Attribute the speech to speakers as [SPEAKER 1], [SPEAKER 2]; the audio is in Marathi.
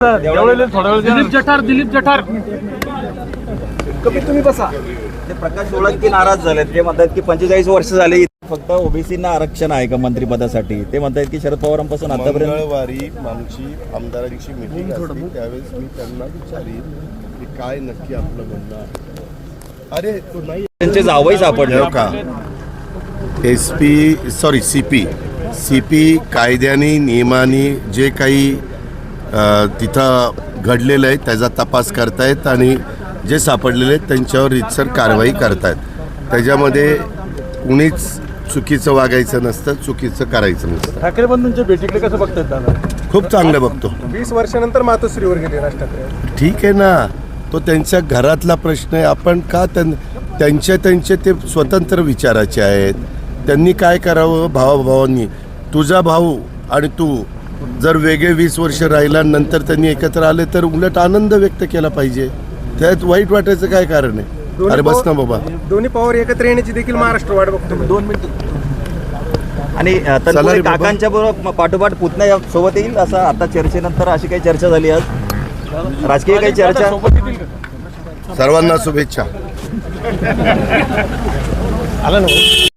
[SPEAKER 1] दिलीप जठार
[SPEAKER 2] कमीत तुम्ही बसा. ते प्रकाश सोळंकी नाराज झालेत. ते म्हणतात की 45 वर्ष झाले फक्त ओबीसींना आरक्षण आहे का मंत्रिपदासाठी. ते म्हणतात की शरद पवारांपासून आतापर्यंत
[SPEAKER 3] मंगळवारी आमची आमदारांची मीटिंग असते त्यावेळेस मी त्यांना विचारीन की काय नक्की आपलं म्हणणं आहे. अरे तो नाही
[SPEAKER 2] त्यांचे जावई सापडले
[SPEAKER 3] का सीपी कायद्याने नियमाने जे काही तिथं घडलेलं आहे त्याचा तपास करतायत आणि जे सापडलेले आहेत त्यांच्यावर रीतसर कारवाई करतायत. त्याच्यामध्ये कुणीच चुकीचं वागायचं नसतं, चुकीचं करायचं नसतं.
[SPEAKER 1] ठाकरे बंधूंच्या भेटीकडे कसं बघतात दादा?
[SPEAKER 3] खूप चांगलं बघतो.
[SPEAKER 1] 20 वर्षानंतर मातोश्रीवर गेले राज ठाकरे.
[SPEAKER 3] ठीक आहे ना, तो त्यांच्या घरातला प्रश्न आहे. आपण का त्यांचे ते स्वतंत्र विचाराचे आहेत. त्यांनी काय करावं भावाभावांनी. तुझा भाऊ आणि तू जर वेगळे 20 वर्ष राहिला नंतर त्यांनी एकत्र आले तर उलट आनंद व्यक्त केला पाहिजे. त्यात वाईट वाटायचं काय कारण आहे? अरे बस ना बाबा.
[SPEAKER 1] दोन्ही पॉवर एकत्र येण्याची देखील महाराष्ट्र वाट बघतो.
[SPEAKER 2] 2 मिनिट. आणि तत्पूर्वी काकांच्या बरोबर पाठोपाठ पुतण्या सोबत येईल असं आता चर्चेनंतर अशी काही चर्चा झाली आज राजकीय काही चर्चा.
[SPEAKER 3] सर्वांना शुभेच्छा.
[SPEAKER 1] आला ना